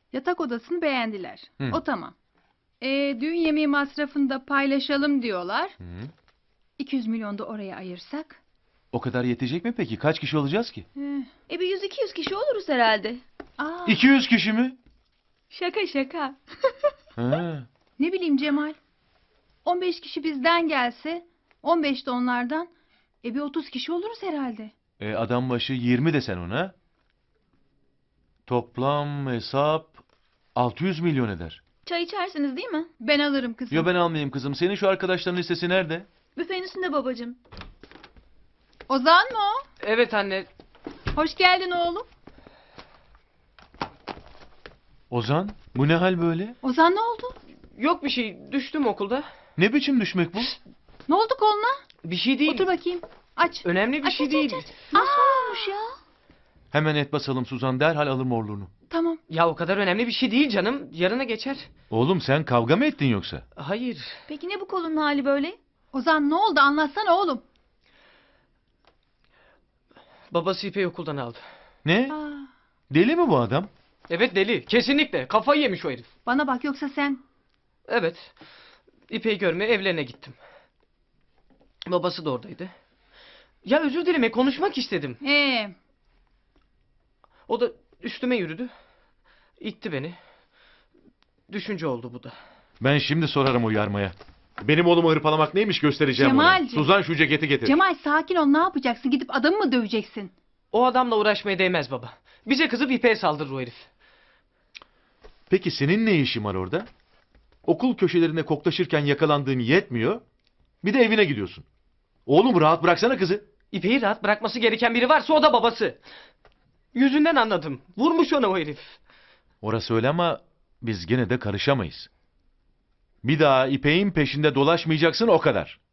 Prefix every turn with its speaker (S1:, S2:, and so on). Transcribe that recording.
S1: Yatak odasını beğendiler.
S2: Hı.
S1: O tamam. Düğün yemeği masrafını da paylaşalım diyorlar.
S2: Hı.
S1: 200 milyon da oraya ayırsak.
S2: O kadar yetecek mi peki? Kaç kişi olacağız ki?
S1: Eh,
S3: Bir 100-200 kişi oluruz herhalde.
S2: 200 kişi mi?
S1: Şaka şaka.
S2: Ha.
S1: Ne bileyim Cemal. 15 kişi bizden gelse, 15 de onlardan. Bir 30 kişi oluruz herhalde.
S2: Adam başı 20 desen ona. Toplam hesap 600 milyon eder.
S3: Çay içersiniz değil mi?
S1: Ben alırım kızım.
S2: Yo, ben almayayım kızım. Senin şu arkadaşların listesi nerede?
S3: Büfenin üstünde babacığım.
S1: Ozan mı o?
S4: Evet anne.
S1: Hoş geldin oğlum.
S2: Ozan, bu ne hal böyle?
S1: Ozan ne oldu?
S4: Yok bir şey. Düştüm okulda.
S2: Ne biçim düşmek bu?
S1: Ne oldu koluna?
S4: Bir şey değil.
S1: Otur bakayım. Aç.
S4: Önemli bir
S1: Aç,
S4: şey
S1: aç,
S4: değil.
S1: aç, aç. Nasıl olmuş ya?
S2: Hemen et basalım Suzan, derhal alır morluğunu.
S1: Tamam.
S4: Ya o kadar önemli bir şey değil canım. Yarına geçer.
S2: Oğlum sen kavga mı ettin yoksa?
S4: Hayır.
S3: Peki ne bu kolunun hali böyle?
S1: Ozan ne oldu anlatsana oğlum.
S4: Babası İpek'i okuldan aldı.
S2: Ne?
S1: Aa,
S2: Deli mi bu adam?
S4: Evet deli. Kesinlikle. Kafayı yemiş o herif.
S1: bana bak yoksa sen.
S4: Evet. İpek'i görmeye evlerine gittim. Babası da oradaydı. Ya özür dileme konuşmak istedim. O da üstüme yürüdü. İtti beni. Düşünce oldu bu da.
S2: Ben şimdi sorarım o yarmaya. Benim oğlumu hırpalamak neymiş göstereceğim ona.
S1: Cemalciğim.
S2: Suzan şu ceketi getir.
S1: Cemal sakin ol, ne yapacaksın? Gidip adamı mı döveceksin?
S4: O adamla uğraşmaya değmez baba. Bize kızıp İpek'e saldırır o herif.
S2: Peki senin ne işin var orada? Okul köşelerinde koklaşırken yakalandığın yetmiyor. Bir de evine gidiyorsun. Oğlum rahat bıraksana kızı.
S4: İpek'i rahat bırakması gereken biri varsa o da babası. Yüzünden anladım. Vurmuş ona o herif.
S2: Orası öyle ama biz gene de karışamayız. Bir daha İpek'in peşinde dolaşmayacaksın, o kadar.